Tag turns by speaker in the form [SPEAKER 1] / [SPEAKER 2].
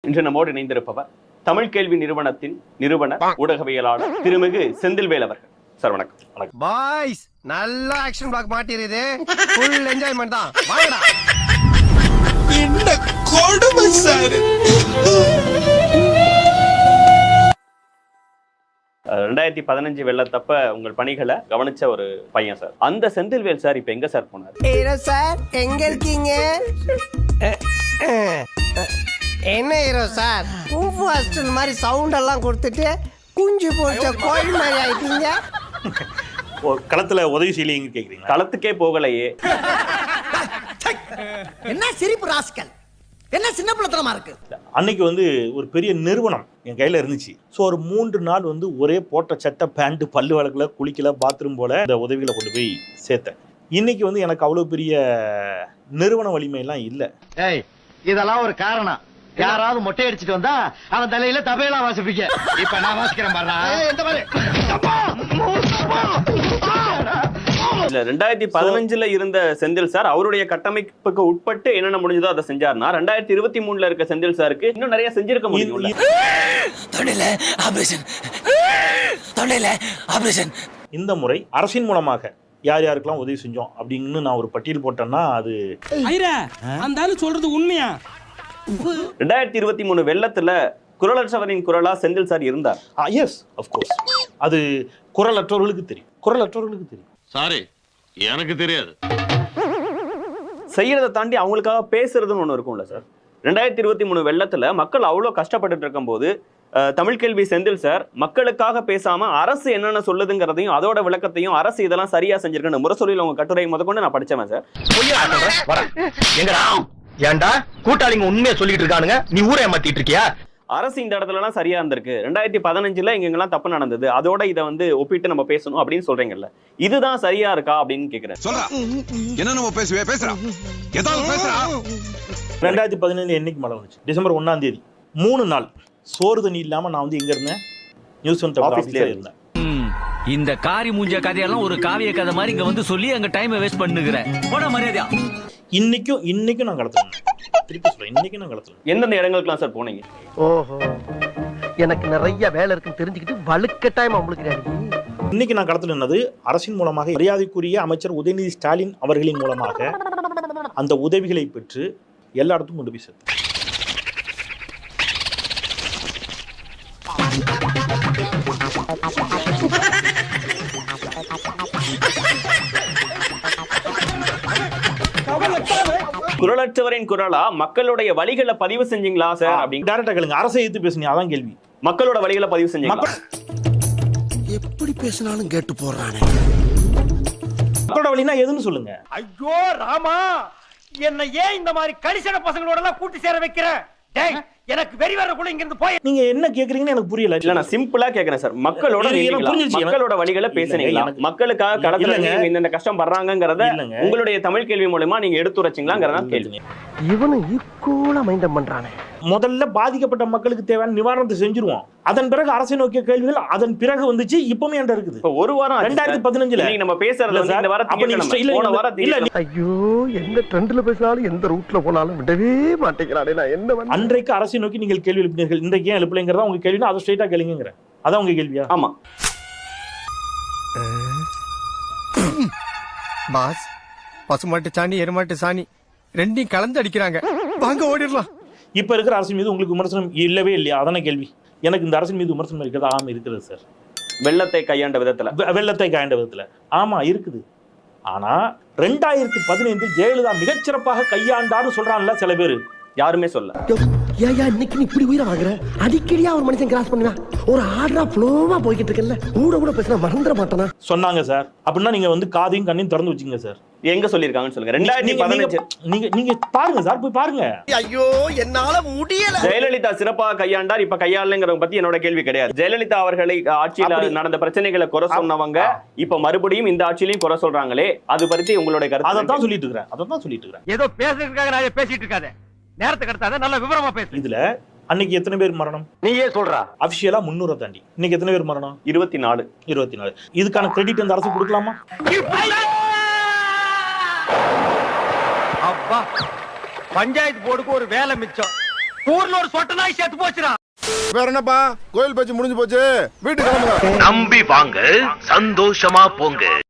[SPEAKER 1] இன்று நம்மோடு இணைந்திருப்பவர் தமிழ் கேள்வி நிறுவனத்தின் நிறுவனர் ஊடகவியலாளர் திருமிகு செந்தில்வேல் அவர்கள். சார் வணக்கம்.
[SPEAKER 2] வணக்கம் பாய்ஸ். நல்ல ஆக்ஷன் பிளாக் மாட்டிருது. ஃபுல் என்ஜாய்மென்ட் தான். வாங்கடா.
[SPEAKER 3] என்ன கொடுமை சார்.
[SPEAKER 1] 2015 வெள்ளத்தப்ப உங்கள் பணிகளை கவனிச்ச ஒரு பையன் சார். அந்த செந்தில்வேல் சார் இப்ப எங்க சார் போனார்?
[SPEAKER 2] ஹீரோ சார் எங்க இருக்கீங்க? என்ன ஹீரோ சார், குங்ஃபு ஹாஸ்டல் மாதிரி சவுண்ட் எல்லாம் கொடுத்துட்டு குஞ்சு போச்ச கோழி மாதிரி ஆயிட்டீங்க.
[SPEAKER 4] களத்துல உதவி செய்யலீங்க கேக்குறீங்க?
[SPEAKER 1] களத்துக்கே போகலையே.
[SPEAKER 5] என்ன சிரிப்பு ராஸ்கல், என்ன சின்ன பிள்ளைத்தனமா இருக்கு.
[SPEAKER 4] அன்னைக்கு ஒரு பெரிய நிறுவனம் என் கையில இருந்துச்சு. ஸோ ஒரு 3 நாள் ஒரே போட்ட சட்டை பேண்ட், பல்லு வழக்குல, குளிக்கல, பாத்ரூம் போல இந்த உதவிகளை கொண்டு போய் சேர்த்தேன். இன்னைக்கு எனக்கு அவ்வளவு பெரிய நிறுவன வலிமை எல்லாம் இல்லை.
[SPEAKER 6] இதெல்லாம் ஒரு காரணம். யாராவது மொட்டை அடிச்சுட்டு வந்தா அவன் தலையில தபையெல்லாம் வாசிப்பீங்க. இப்ப நான் வாசிக்கிறேன் பாருடா.
[SPEAKER 1] 2015 இருந்த செந்தில் சார் அவருடைய கட்டமைப்புக்கு உட்பட்டு என்னென்ன முடிஞ்சதோ அதை செஞ்சார்னா 2023 இருக்க செந்தில் சாருக்கு இன்னும் நிறைய செஞ்சிருக்க முடியும்.
[SPEAKER 4] இந்த முறை அரசின் மூலமாக யார் யாருக்கெல்லாம் உதவி செஞ்சோம் அப்படின்னு நான் ஒரு பட்டியல் போட்டேன்னா அது
[SPEAKER 3] சொல்றது உண்மையா?
[SPEAKER 1] 2023 வெள்ளத்துல குரலற்றவரின் குரலா செந்தில் சார் இருந்தார்.
[SPEAKER 4] Yes of course. அது குரலற்றவர்களுக்கு தெரியும். குரலற்றவர்களுக்கு தெரியும்.
[SPEAKER 7] சாரி, எனக்கு தெரியாது.
[SPEAKER 1] செய்யறதை தாண்டி அவங்களுக்காக பேசுறதுன்னு ஒண்ணு இருக்கும்ல சார். 2023 வெள்ளத்துல மக்கள் அவ்வளவு கஷ்டப்பட்டு இருக்கும் போது தமிழ் கேள்வி செந்தில் சார் மக்களுக்காக பேசாம அரசு என்னென்ன சொல்லுதுங்கிறதையும் அதோட விளக்கத்தையும் அரசு இதெல்லாம் சரியா செஞ்சிருக்குன்னு முரசொலியில் உங்க கட்டுரை முதற்கொண்டு நான் படிச்சேன் சார்.
[SPEAKER 6] ஏண்டா கூட்டாளிங்க உண்மையா சொல்லிட்டு இருக்கானுங்க, நீ ஊரை ஏமாத்திட்டு இருக்கியா?
[SPEAKER 1] அரசு இந்த இடத்துல எல்லாம் சரியா இருந்திருக்கு. 2015 எங்கெல்லாம் தப்பு நடந்தது, அதோட இதை ஒப்பிட்டு நம்ம பேசணும் அப்படின்னு சொல்றீங்கல்ல, இதுதான் சரியா இருக்கா அப்படின்னு கேக்குறேன்.
[SPEAKER 4] 2015 என்னைக்கு மழை வந்துச்சு? டிசம்பர் 1ஆம் தேதி. 3 நாள் சோறு தண்ணி இல்லாம நான் எங்க இருந்தேன்? நியூஸ் ஆபீஸ்ல இருந்தேன்.
[SPEAKER 8] இந்த காரி மூஞ்ச கதையெல்லாம் ஒரு காவிய கதை மாதிரி இங்க சொல்லி அங்க டைமை வேஸ்ட் பண்ணுகிறேன். போட மரியாதையா.
[SPEAKER 4] இன்னைக்கும் நான் களத்துல திருப்பி சொல்றேன். இன்னைக்கு நான் களத்துல
[SPEAKER 1] எந்தெந்த இடங்களுக்குலாம் சார் போனீங்க?
[SPEAKER 6] ஓஹோ, எனக்கு நிறைய வேலை இருக்குன்னு தெரிஞ்சுக்கிட்டு வலுக்கட்டாயமா முழுக்கிறாரு.
[SPEAKER 4] இன்னைக்கு நான் களத்துல நின்னது அரசின் மூலமாக மரியாதைக்குரிய அமைச்சர் உதயநிதி ஸ்டாலின் அவர்களின் மூலமாக அந்த உதவிகளை பெற்று எல்லா இடத்துக்கும் கொண்டு போய் சேர்த்தேன்.
[SPEAKER 1] குரலற்றவரின் குரலா மக்களுடைய வழிகளை பதிவு செஞ்சீங்களா சார்? அப்படின்னு
[SPEAKER 4] டைரக்டா கேளுங்க. அரசை எதிர்த்து பேசுனீங்க, அதான் கேள்வி.
[SPEAKER 1] மக்களோட வழிகளை பதிவு செஞ்சீங்களா?
[SPEAKER 5] எப்படி பேசினாலும் கேட்டு போறானே.
[SPEAKER 4] மக்களோட வழினா எதுன்னு சொல்லுங்க.
[SPEAKER 6] ஐயோ ராமா, என்ன ஏன் இந்த மாதிரி கரிசன பசங்களோட எல்லாம் கூட்டி சேர வைக்கிற? டேய், எனக்கு வெறி வரக்குள்ள இங்க இருந்து போய்.
[SPEAKER 4] நீங்க என்ன கேக்குறீங்கன்னு எனக்கு புரியல.
[SPEAKER 1] இல்ல, நான் சிம்பிளா கேக்குறேன் சார். மக்களோட வழிகளை பேசுனீங்களா? மக்களுக்காக களத்துல இந்த கஷ்டம் படுறாங்கங்கறத உங்களுடைய தமிழ் கேள்வி மூலமா நீங்க எடுத்துரைச்சீங்களாங்கறத கேள்வி.
[SPEAKER 6] இவனும் ஈக்குவலா மைண்டம் பண்றானே.
[SPEAKER 4] முதல்ல பாதிக்கப்பட்ட மக்களுக்கு தேவையான நிவாரணத்தை செஞ்சிருவோம். அதன் பிறகு அரசை நோக்கிய கேள்விகள் அதன் பிறகு வந்துச்சு. இப்பவுமே என்கிட்ட இருக்குது.
[SPEAKER 1] இப்ப ஒரு வாரம்
[SPEAKER 4] 2015
[SPEAKER 1] நம்ம பேசுறது இந்த வாரத்துல.
[SPEAKER 6] ஐயோ, எந்த ட்ரெண்ட்ல பேசினாலும் எந்த ரூட்ல போனாலும் விடவே மாட்டேங்கிறானே. நான் என்ன
[SPEAKER 4] அன்றைக்கு அரசை நோக்கி நீங்கள் கேள்வி எழுப்பினீர்கள். இன்றைக்கு ஏன் எழுப்பலைங்கிறதா உங்க கேள்வினா அதை ஸ்ட்ரைட்டா கேளுங்கிற. அதான் உங்க கேள்வியா?
[SPEAKER 1] ஆமா
[SPEAKER 2] பாஸ், பசுமாட்டு சாணி எருமாட்டு சாணி ரெண்டையும் கலந்து அடிக்கிறாங்க. வாங்க ஓடிடலாம்.
[SPEAKER 4] இப்ப இருக்கிற அரசின் மீது உங்களுக்கு விமர்சனம் இல்லவே இல்லையா? அதான கேள்வி. எனக்கு இந்த அரசின் மீது விமர்சனம் இருக்கிறது. ஆமா இருக்கிறது சார்.
[SPEAKER 1] வெள்ளத்தை கையாண்ட விதத்துல
[SPEAKER 4] ஆமா இருக்குது. ஆனா 2015 ஜெயலலிதா மிகச்சிறப்பாக கையாண்டான்னு சொல்றான்ல சில பேரு.
[SPEAKER 1] யாருமே சொல்ல.
[SPEAKER 5] ஏயா இன்னைக்கு இப்படி உயிரை வாங்குற? அடிக்கடியா ஒரு மனுஷன் கிராஸ் பண்ணுவான். ஒரு ஆர்டரா ஃப்ளோவா போய்கிட்டு இருக்கல, கூட பேசினா மறந்துட மாட்டானா?
[SPEAKER 4] சொன்னாங்க சார். அப்படின்னா நீங்க காதையும் கண்ணையும் திறந்து வச்சுங்க சார்.
[SPEAKER 1] எங்க சொல்லிருக்காங்கன்னு சொல்லுங்க. 2015
[SPEAKER 4] நீங்க பாருங்க சார், போய் பாருங்க.
[SPEAKER 5] ஐயோ, என்னால முடியல.
[SPEAKER 1] ஜெயலலிதா சிறப்பாக கையாண்டார், இப்ப கையாளங்கிறத பத்தி என்னோட கேள்வி கிடையாது. ஜெயலலிதா அவர்களை ஆட்சியில நடந்த பிரச்சனைகளை குறை சொன்னவங்க இப்ப மறுபடியும் இந்த ஆட்சியிலையும் குறை சொல்றாங்களே, அது பத்தி உங்களுடைய கருத்து?
[SPEAKER 4] அதான் சொல்லிட்டு இருக்கிறேன்.
[SPEAKER 6] ஏதோ பேசுறதுக்காக நான் பேசிட்டு இருக்காத. நேரத்துக்கு அடுத்தாத நல்ல விவரமா பேசு.
[SPEAKER 4] இதுல அன்னைக்கு எத்தனை பேர் மரணம்?
[SPEAKER 6] நீயே சொல்றா.
[SPEAKER 4] அபிஷியலா 300 தாண்டி. இன்னைக்கு எத்தனை பேர் மரணம்?
[SPEAKER 1] 24.
[SPEAKER 4] இதுக்கான கிரெடிட் அந்த அரசு கொடுக்கலாமா?
[SPEAKER 6] அப்பா, பஞ்சாயத்து போர்டுக்கு ஒரு வேலை மிச்சம். ஊர்ல ஒரு சொட்ட நாய் செத்து போச்சுடா.
[SPEAKER 9] வேற என்னப்பா கோயில் பேச்சு முடிஞ்சு போச்சு, வீட்டுக்கு கிளம்புங்க.
[SPEAKER 8] நம்பி வாங்க, சந்தோஷமா போங்க.